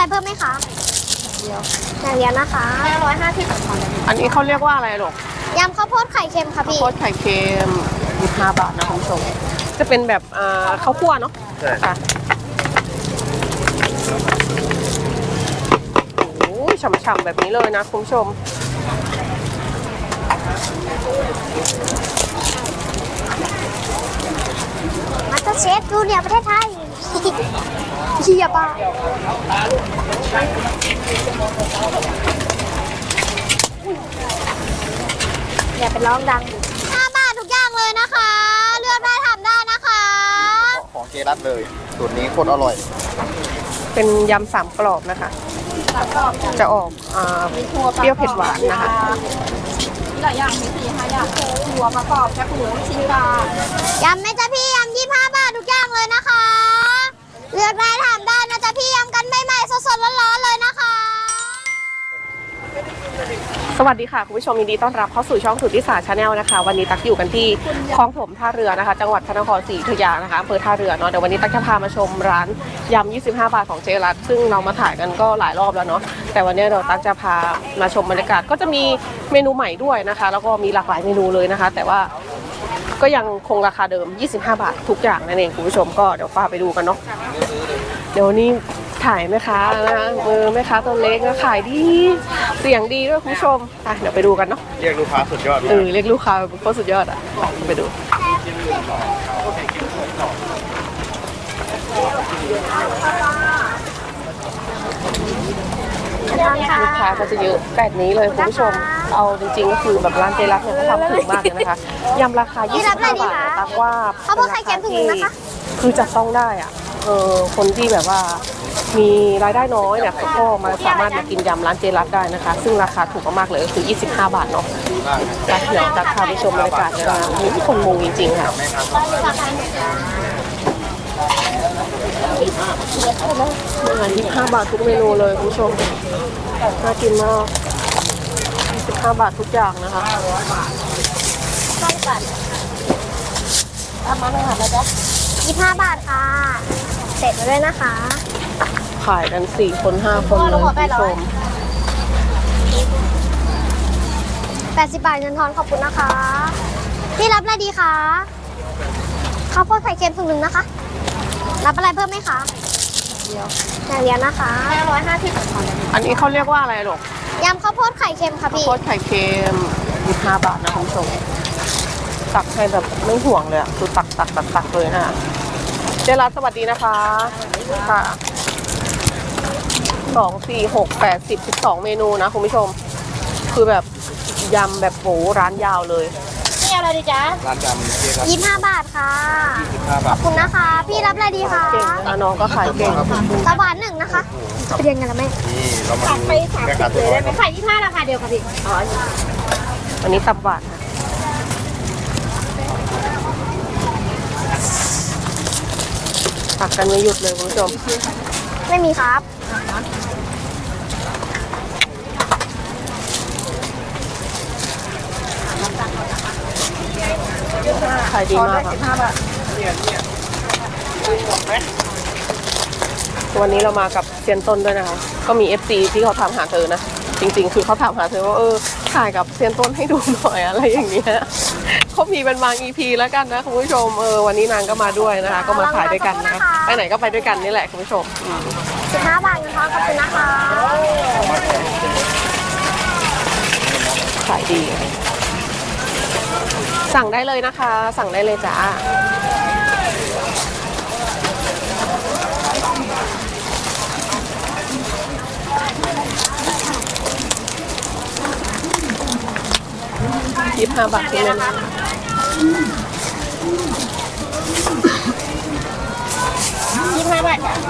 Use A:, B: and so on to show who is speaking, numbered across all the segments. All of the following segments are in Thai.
A: อะไรเพิ่มไหมคะเดียวอย่างเดียวนะคะ550
B: อันนี้เขาเรียกว่าอะไรหรอก
A: ยำข้าวโพดไข่เค็มค่ะพี่
B: ข้าวโพดไข่เค็ม25 บาทนะคุณผู้ชมจะเป็นแบบข้าวคั่วเนาะใช่ค่ะโอ้ยฉ่ำๆแบบนี้เลยนะคุณผู้ชม
A: มาสเตอร์เชฟจูเนียร์ประเทศไทยเฮียป้าอย่าไปร้องดัง5 บาททุกอย่างเลยนะคะ เลือกได้ทำได้นะคะ
C: ของเจรัตเลยสูตรนี้โคตรอร่อย
B: เป็นยำ3 กรอบนะคะจะออกเปรี้ยวเผ็ดหวานนะคะ
D: หลายอย่างมี4-5 อย่างหัวประกอบแคบหมูชิ้นปลาย
A: ำไหมจ๊ะพี่ยำ25 บาททุกอย่างเลยนะคะ เลือกได้ทำได้นะจ๊ะพี่ยำกันใหม่ๆสดๆร้อนๆเลยนะคะ
B: สวัสดีค่ะคุณผู้ชมยินดีต้อนรับเข้าสู่ช่องสุทธิศาสตร์ชาแนลนะคะวันนี้ตักอยู่กันที่คลองถมท่าเรือนะคะจังหวัดพระนครศรีอยุธยานะคะอำเภอท่าเรือเนาะเดี๋ยววันนี้ตักจะพามาชมร้านยำ25 บาทของเจรัตซึ่งเรามาถ่ายกันก็หลายรอบแล้วเนาะแต่วันนี้เราตักจะพามาชมบรรยากาศก็จะมีเมนูใหม่ด้วยนะคะแล้วก็มีหลากหลายเมนูเลยนะคะแต่ว่าก็ยังคงราคาเดิม25 บาททุกอย่างนั่นเองคุณผู้ชมก็เดี๋ยวพาไปดูกันเนาะเดี๋ยวนี้ขายแม่ค้านะคะแม่ค้าตัวเล็กนะขายดีเสียงดีด้วยคุณผู้ชมเดี๋ยวไปดูกันเนาะ
C: เรียกลูกค้าสุดยอด
B: เรียกลูกค้าโคตรสุดยอดอ่ะไปดูลูกค้าก็จะเยอะแบบนี้เลยคุณผู้ชมเอาจริงๆก็คือแบบร้านเจรัตเนี่ยเขาทำถูกมากเลยนะคะยำราคา25 บาทตักว่าเป็นราคาที่คือจับต้องได้อ่ะคนที่แบบว่ามีรายได้น้อยเนี่ยเขาก็มาสามารถมากินยำร้านเจรัตได้นะคะซึ่งราคาถูกมากๆเลยก็คือ25 บาทเนาะตักเดี๋ยวตักพาไปชมบรรยากาศเลยนะมีคนมุงจริงๆค่ะอาหาร25 บาททุกเมนูเลยคุณผู้ชมน่ากินมาก15 บาททุกอย่างนะคะ
A: เอามาหน่อยค่ะจ๊ะ25 บาทค่ะเสร็จแล้วด้วยนะคะ
B: ขายกัน4 คน 5 คนเลยคุณผู้ชม
A: 80 บาทเงินทอนขอบคุณนะคะพี่รับอะไรดีคะข้าวโพดไข่เค็มถุงหนึ่งนะคะรับอะไรเพิ่มไหมคะเดียวอย่างเดียวนะคะ550
B: อันนี้เขาเรียกว่าอะไรหรอก
A: ยำข้าวโพดไข่เค็มค่ะ
B: ข้าว
A: พี่
B: โพดไข่เค็ม25 บาทนะคุณผู้ชมตักให้แบบไม่ห่วงเลยอ่ะคือตักเลยนะเจรัตสวัสดีนะคะค่ะ2 4 6 8 10 12 เมนูนะคุณผู้ชมคือแบบยำแบบโหร้านยาวเลย
A: นี่เอาอะไรดีจ๊ะ
C: ร้านจำเจรัต
A: 25 บาทค่ะ
C: 25 บาท
A: ขอบคุณนะคะ พี่รับอะไรดีคะ
B: เก่งนะน้องก็ขายเก่ง
A: ตะหวานหนึ่งนะคะไปเรียนกันแล้วแม่
C: นี่เรามาดูแม่ค้าตัวน้อย
D: ขาย25ราคาเดียวค่ะพี่
B: อันนี้ตับหวานตักกันไม่หยุดเลยคุณผู้ชม
A: ไม่มีครับ
B: ขายดีมากค่ะวันนี้เรามากับเซียนต้นด้วยนะคะก็มี FC ที่เขาถามหาเธอนะจริงๆคือเขาถามหาเธอว่าถ่ายกับเซียนต้นให้ดูหน่อยอะไรอย่างเงี้ยเขามีเป็นบาง EP แล้วกันนะคุณผู้ชมวันนี้นางก็มาด้วยนะคะก็มาถ่ายด้วยกันนะคะไปไหนก็ไปด้วยกันนี่แหละคุณผู้ชม
A: 15 บาทเงินทอนขอบคุณนะคะ
B: ขายดีสั่งได้เลยนะคะสั่งได้เลยจ้า25 บาทที่นั่น
A: 25 บาทค่ะ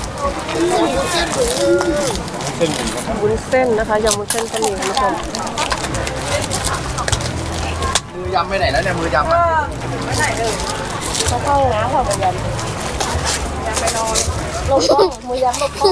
B: วุ้นเส้นนะคะยำวุ้นเส้นก็มีคุณผู้ชม
C: มือยำไปไหนแล้วเนี่ยมือยำ
D: ไม่ไหนเลย
B: เขาเข้านะเขาไปยำ
D: ไปนอน
B: ลบกล้องมือยำลบกล้อง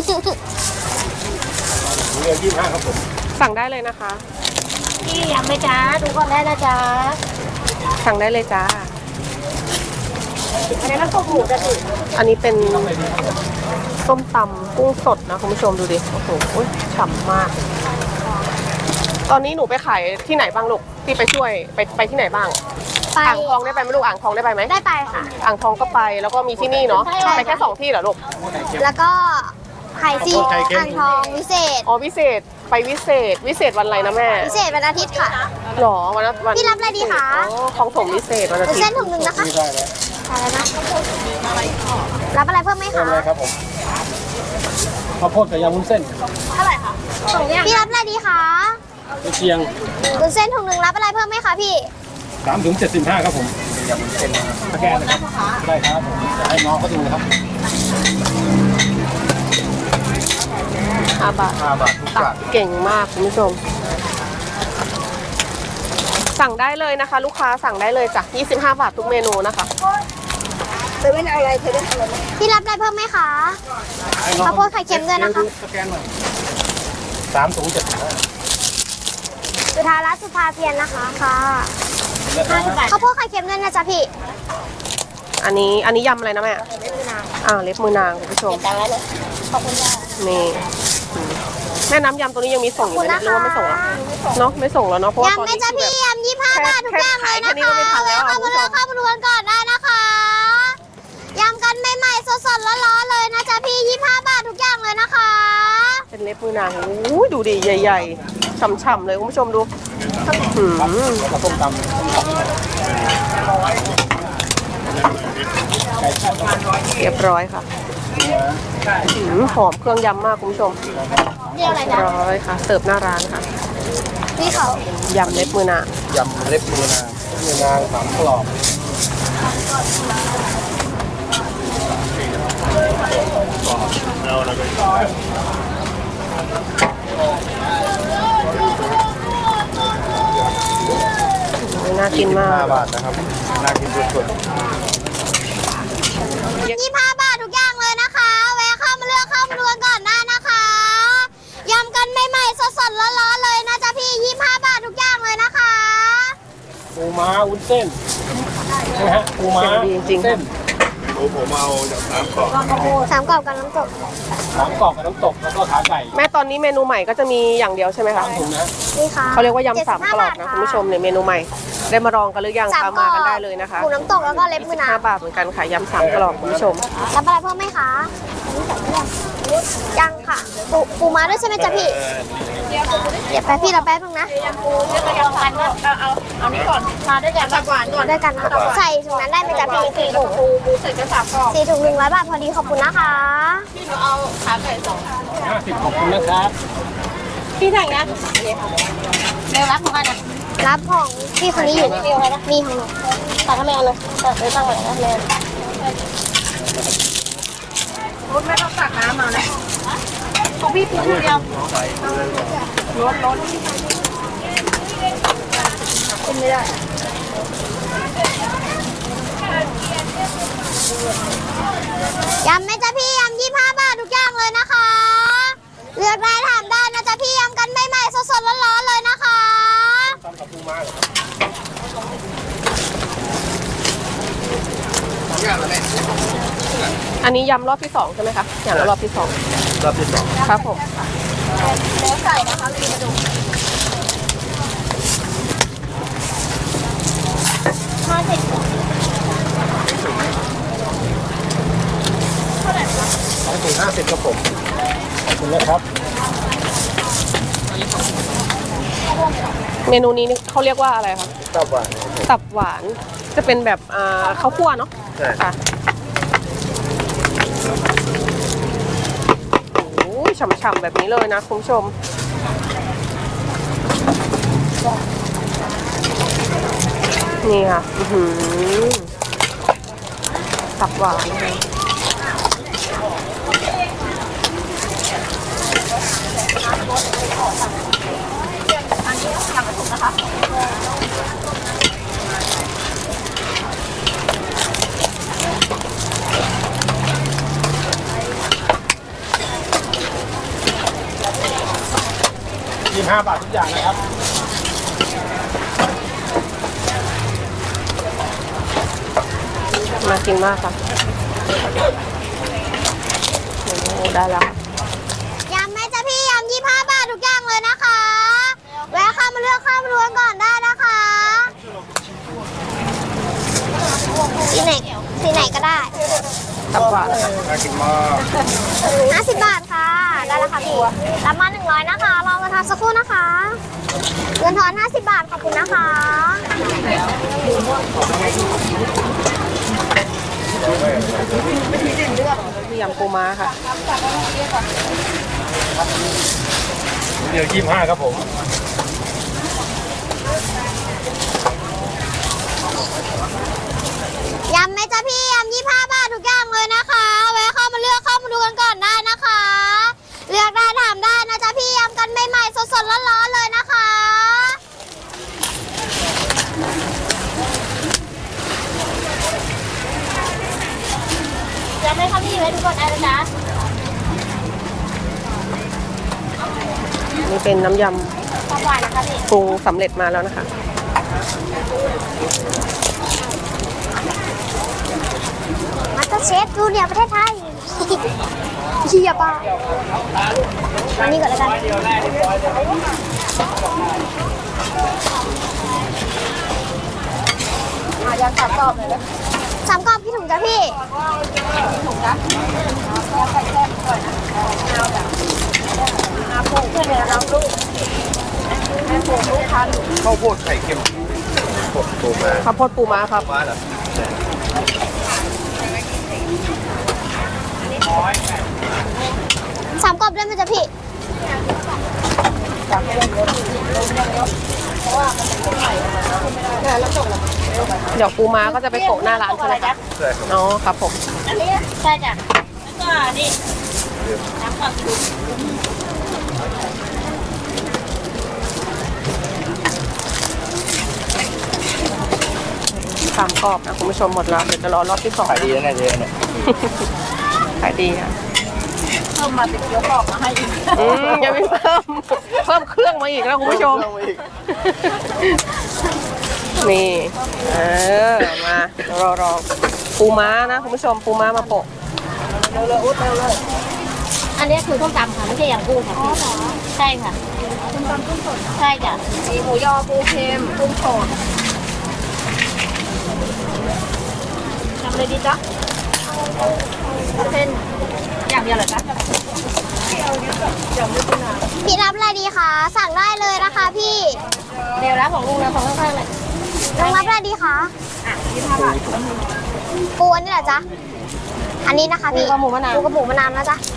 C: มือ25ครับผม
B: สั่งได้เลยนะคะ
A: พี่ยำไหมจ๊ะดูก่อนได้นะจ๊ะ
B: สั่งได้เลยจ้า
A: อันนี้น้ำตกหมูจะถึง
B: อันนี้เป็นส้มตำกุ้งสดนะคุณผู้ชมดูดิโอ้โหฉ่ำมาก ตอนนี้หนูไปขายที่ไหนบ้างลูกที่ไปช่วยไปที่ไหนบ้าง
A: ไป
B: อ่างทองได้ไปไหมลูกอ่างทองได้ไปไหม
A: ได้ไปค่ะ
B: อ่างทองก็ไปแล้วก็มีที่นี่เนาะ
A: ใช่
B: ไปแค่2ที่เหรอลูก
A: แล้วก็ไข่ซีอ่างทองวิเศษ
B: อ๋อวิเศษไปวิเศษวันอะไรนะแม่
A: พิเศษวันอาทิตย์ค่ะ
B: หรอวัน
A: พี่รับอะไรดีคะ
B: อ๋อของผมวิเศษวันอาทิต
A: เส้น
B: ย์
A: ถุงหนึ่งนะคะ
C: ไม่ได้แล้ว
A: อะไรนะรับอะไรเพิ่มไหม
C: เพิ่ม
A: คะ
C: อะไรครับผมข้าวโพดกับยำวุ้นเส้น
A: พี่รับอะไรดีคะ
C: เชียง
A: วุ้นเส้นถุงหนึ่งรับอะไรเพิ่มไหมคะพี่
C: 3 ถึง 75ครับผมยำวุ้นเส้นสแกนนะครับได้ครับผมจะให้น้องเขาดูนะครับ
B: 5 บาท
C: 5 บาททุกอ
B: ตั
C: ย่าก ง
B: เก่งมากคุณผู้ชม สั่งได้เลยนะคะ ลูกค้าสั่งได้เลยจ้ะ25 บาททุกเมนูนะคะ
A: พี่รับอะไรเพิ่มไหมคะ ข้าวโพดไข่เค็มด้วยนะคะ
C: สแกนหน่อย3 ถุง 75
A: สุธารัตน์สุภาเพียรนะคะค่ะข้าวโพดไข่เค็มด้วยนะจ๊ะพี่
B: อันนี้ยำอะไรนะแม่เล็บมือนางคุณผู้ชมนี่แม่น้ำยำตัวนี้ยังมีส่งอยู่ไหมเนี่ยหรือว่าไม่ส่งแล้วเนาะไม่ส่งแล้วเนาะเพราะว่าตอน
A: ยำไหม
B: นี้
A: จ๊ะ
B: คือ
A: พี่
B: แบบ
A: ยำ25 บาททุกอย่างเลยนะ
B: แค่นี้ก็
A: คะ
B: ไม่ทันแล้วอะ
A: เข้ามาเลือกเข้ามาดูกันก่อนได้นะคะยำกันใหม่ๆสดๆร้อนๆเลยนะจ๊ะพี่25 บาททุกอย่างเลยนะคะ
B: เป็นเล็บมือนางอู้ยดูดิใหญ่ๆฉ่ำๆเลยคุณผู้ชมดูหืม
C: แล้วก็ส้มตำ
B: เรียบร้อยค่ะหอมเครื่องยำมากคุณผู้ชม
A: เรียกอะไร
B: เรีย
A: นะ
B: บร้อยค่ะ เสิร์ฟหน้าร้านค่ะ
A: พี่เขา
B: ยำเล็บมือนาง
C: ยำเล็บมือนาง3 กรอบ
B: น่ากินมาก
C: 5 บาทนะครับน่ากินสุด
A: 25 บาททุกอย่างเลยนะคะ แวะเข้ามาเลือกเข้ามาดูกันก่อนได้นะคะยำกันใหม่ๆสดๆร้อนๆเลยนะจ๊ะพี่25 บาททุกอย่างเลยนะคะ
C: ๆปูม้าวุ้นเส้นใช่ไหมฮะปูม้า
B: เสียงดีจริงๆ
C: เส้นผมเอาจาก3 กรอบ
A: 3 กรอบกับน้ำตก
C: 3 กรอบกับน้ำตกแล้วก็ขาไก่
B: แม่ตอนนี้เมนูใหม่ก็จะมีอย่างเดียวใช่ไหมคะ
C: ถุงนะ
A: นี่ค่ะ
B: เขาเรียกว่ายำ3 กรอบนะ
A: 75
B: คุณผู้ชมเนี่ยเมนูใหม่ ได้มาลองกันหรือยัง
A: ส
B: ตามมากันได้เลยนะคะ
A: หมูน้ำตกแล้วก็เล็บมือนาง
B: 5 บาทเหมือนกันค่ะยำ3 กรอบคุณผู้ชม
A: รับอะไรเพิ่มไหมคะยังค่ะปูม้าด้วยใช่ไหมจ๊ะพี่เดี๋ยวไปพี่เราแป๊บนึงนะ
D: เอานี่ก่อนมาด้วยกันตับหวานก่อน
A: ด้วยกันนะใส่ถุงนั้นได้ไหมจ๊ะพี่4 ถุง
D: ปูใส่กระสับกรอบ
A: 4 ถุง100 บาทพอดีขอบคุณนะคะ
D: พี่หนูเอาขาไก่2
C: 50ขอบคุณนะครับ
D: พี่ถังนะเร็วรับของกันนะ
A: รับของพี่คนนี้อยู่มีของหนูตัดทำไมเอาเลยไปตั้งไว้นะเลย
D: รถไม่ต้องตักน้ำมานะของพี่ปูเดียวรถกินไม่ได้
A: ยำไหมจ๊ะพี่ยำ25 บาททุกอย่างเลยนะคะ เลือกได้ถามได้นะจ๊ะพี่ยำกันใหม่ๆสดๆร้อนๆเลยนะคะ
C: ตำกับปูม้าเหรอ
B: อันนี้ยำรอบที่2ใช่ไหมคะอย่างละรอบที่2
C: รอบที่ 2
B: ครับผม
D: แล้วใส่นะคะมีกระดูก
C: 50ครับผมขอบคุณนะครับ
B: เมนูนี้เขาเรียกว่าอะไรคะ
C: ตับหวาน
B: ตับหวานจะเป็นแบบข้าวคั่วเนาะ
C: ใช่
B: ค่ะโอ้ยฉ่ำๆแบบนี้เลยนะคุณผู้ชมนี่ค่ะตับหวานเลย
C: 25 บาททุกอย่างนะครับ
B: น่ากินมากค่ะได้แล้ว
A: ยำไหมจ๊ะพี่ยำ25 บาททุกอย่างเลยนะคะ แวะเข้ามาเลือกเข้ามาดูกันก่อนได้นะคะสีไหนก็ได้
B: ตับหวาน
C: น่ากินมาก
A: 50 บาทค่ะ ได้แล้วค่ะพี่รับมา100นะคะรอเงินทอนสักครู่นะคะ เงินทอน50 บาทขอบคุณนะคะ
B: มียำปูม้าค่ะ
C: เดี๋ยว25ครับผม
A: ยำไหมจ๊ะพี่ยำ25 บาททุกอย่างเลยนะคะแวะเข้ามาเลือกเข้ามาดูกันก่อนได้นะคะ เลือกได้ถามได้นะจ๊ะพี่ยำกันใหม่ๆสดๆร้อนๆเลยนะคะยำไหมคะพี่ไว้ดูก่อนได้เลยจ๊ะ
B: นี่เป็นน้ำย
A: ความหวานนะคะพี่
B: ำปรุงสำเร็จมาแล้วนะคะ
A: มาสเตอร์เชฟจูเนียร์ประเทศไทย เฮียป่ะอันนี้ก่อนแล้วกันยัง3 กรอบเลยนะ3 กรอบพี่ถุงจ้ะพี่ถุงจ้ะยังใส่แซ่บก่อนนะเอาแบบอาปูเพื่อนเราลูกแม่ปูลูกค้าลูก
C: ข้าวโพดไข่เค็มกดตูมา
B: ข้าวโพดปูม้าครับ
C: มาเหรอ
A: 3 กรอบได้ไหมจ๊ะพี่
B: เดี๋ยวปูม้าก็จะไปโปะหน้าร้านใช่ไหมคะ
C: ใช่ครับ
B: อ๋อครับผม
A: อันนี้ใช่จ้ะแล้วก็นี่น้ำกรอบชุบ
B: 3 กรอบนะคุณผู้ชมหมดแล้วเดี๋ยวจะรอรอบที่ 2
C: ขายดีนะเนี่ยเจ๊เนี่ย
B: ขายดีค่ะ
D: เพิ่มมาเป็นเกี๊ยวกรอบมาให้อีก
B: ยังไม่เพิ่มเครื่องมาอีกแล้วคุณผู้ชม
C: เพิ่มาอีก
B: นี่มาเดี๋ยวรอปูม้านะคุณผู้ชมปูม้ามาโปะ
A: อันนี้คือส้มตำค่ะไม่ใช่อย่างกุ้งค่ะพี่ใช่ค่ะส้มตำกุ้งสดใช่จ้ะ
D: มีหมูยอปูเค็มกุ้งสด
A: ทำเลยดีจ๊ะ
D: เส้นอย่างเดียวเหรอจ๊ะ
A: พี่รับอะไรดีคะสั่งได้เลยนะคะพี่
D: เดี๋ยวรับของลุงนะของข้างๆเลย
A: น้องรับอะไรดีคะ
D: 25 บาท
A: ปูอันนี้เหรอจ๊ะอันนี้นะคะพี่
D: ปูกับหมูมะนาว
A: ปูกับหมูมะนาวนะจ๊ะ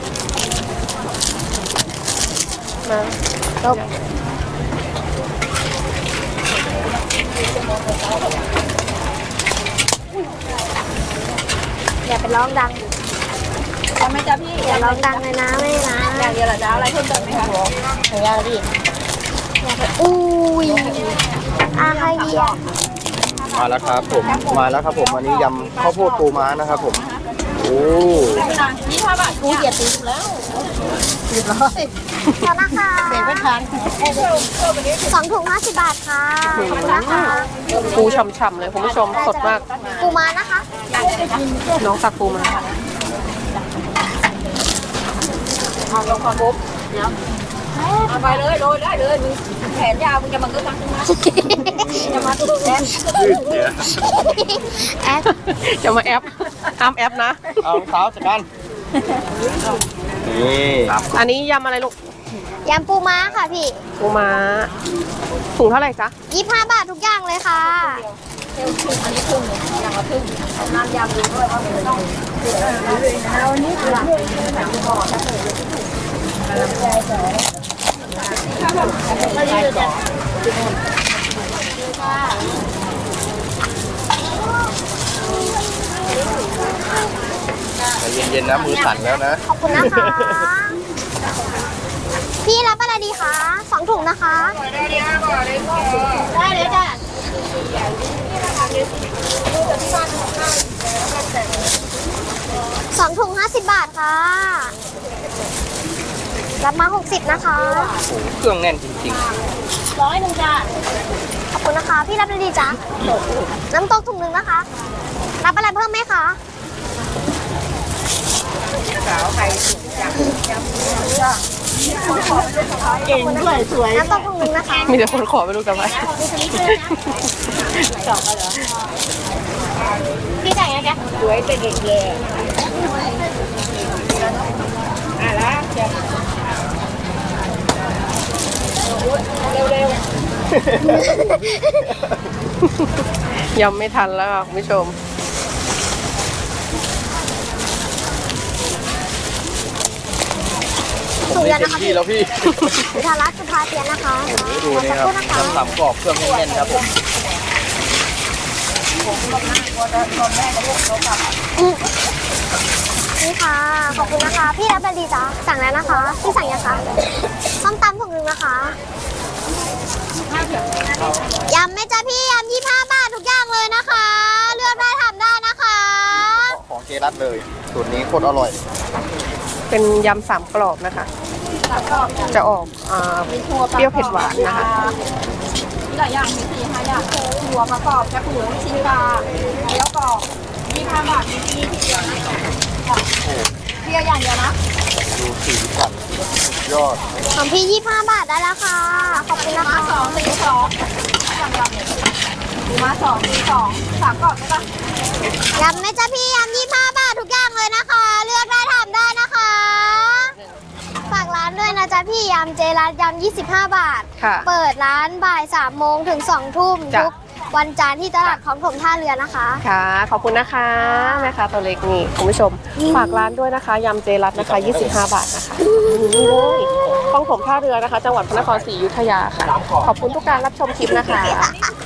B: มา
A: จบอย่าไปร้องดัง
D: ทำไหมจ๊ะพี่
A: อย่าร้องดังเลยนะไม่นะ
D: อย่างเดียวเหรอจ๊ะอะไรเพิ่มเติมไหมคะ
A: หนูอยากดิอุ้ยใครดีอ่ะ
C: มาแล้วครับผมมาแล้วครับผมอันนี้ยำข้าวโพดปูม้านะครับผมโอ้
D: 25 บาทกูเหยียดตีถูกแล้วเรียบร้อย
A: ขอบคุณนะคะ
D: เบรกไม่ทัน
A: 2 ถุง50 บาทค่ะขอบคุณนะคะ
B: ปูฉ่ำๆเลยคุณผู้ชมสดมาก
A: ปูมานะคะ
B: น้องตักปูมา
D: เอาลงความปุ๊บเดี๋ยวเอาไปเลยโรยได้เลยมึงแขนยาวมึงจะมาก็ตั้งขึ้นมาจะมาตุ้งแขน
C: ยืดเดี๋ยว
A: แอด
B: จะมาแอปห้ามแอปนะ
C: เอารองเท้าจัดการนี่
B: อันนี้ยำอะไรลูก
A: ยำปูม้าค่ะพี่
B: ปูม้าถุงเท่าไหร่จ๊ะ
A: 25 บาททุกอย่างเลยค่ะ
D: อันนี้ครึ่งหนึ่งอย่างละครึ่งเอาน้ำยำดูด้วยว่ามันต้องเอานี่หลังก็ยืดจ้ะ
C: ใจเย็นๆนะมือสั่นแล้วนะ
A: ขอบคุณนะคะ พี่รับอะไรดีคะ 2 ถุงนะคะ ได้เลยจ้ะ2 ถุง 50 บาทค่ะ รับมา 60 นะคะ
C: เครื่องแน่นจริง
A: 100จ้ะขอบคุณนะคะ พี่รับอะไรดีจ๊ะน้ำตกถุงหนึ่งนะคะ รับอะไรเพิ่มไหมคะ
D: สาวไข่เก่งด้วยสวย
A: น้ำตกถุงหนึ่งนะคะ
B: มีแต่คนขอไปดูกันไป
A: พี่จ่ายไงแก
D: สวยเป็นเด็กแย่ละเร็ว
B: ยังไม่ทันแล้วค่ะคุณผู้ชม
A: ถุงเดียวนะคะ
C: พี่แล้วพี่
A: สุธารัตน์สุภาเทียนนะคะ
C: ดูนี่ครับ
A: ขอสักครู่นะคะ
C: น้ำสามกรอบเครื่องแน่นๆครับผม
A: นี่ค่ะ ขอบคุณนะคะ พี่รับบันดีจ้าสั่งแล้วนะคะ พี่สั่งยังคะส้มตำถุงหนึ่งนะคะยำไหม่จ้าพี่ยำ25 บาททุกอย่างเลยนะคะ เลือกได้ทำได้นะคะ
C: ของเจรัตเลยสูตรนี้โคตรอร่อย
B: เป็นยำสามกรอบนะคะ จะออกเปรี้ยวเผ็ดหวานนะคะ
D: มีหลายอย่างมี4-5อย่างหัวประกอบจะหมูชิ้นปลาแล้วก็25 บาทมีที่เดียวนะเพียอย่างเดียวนะ
C: ดูสีสันสุดยอด
A: ของพี่25 บาทได้แล้วค่ะ ขอบคุณนะคะ
D: 2 4 2อย่างละหมูมา2 4 2 3กล่องใช่ปะ
A: ยำไหม่จ้าพี่ยำ25 บาททุกอย่างเลยนะคะ เลือกได้ทำได้นะคะ ฝากร้านด้วยนะจ๊ะพี่ยำเจรัตยำ25 บาท
B: ค่ะ
A: เปิดร้านบ่าย3 โมงถึง2 ทุ่ม
B: จ้ะ
A: ทุกวันจันทร์ที่ตลาดของถมท่าเรือนะคะ
B: ค่ะ ขอบคุณนะคะแม่ค้าตัวเล็กนี่คุณผู้ชม ฝากร้านด้วยนะคะยำเจรัตนะคะ25 บาทนะคะนี่เลยคลองถมท่าเรือนะคะ จังหวัดพระนครศรีอยุธยาค่ะ ขอบคุณทุกการรับชมคลิปนะคะ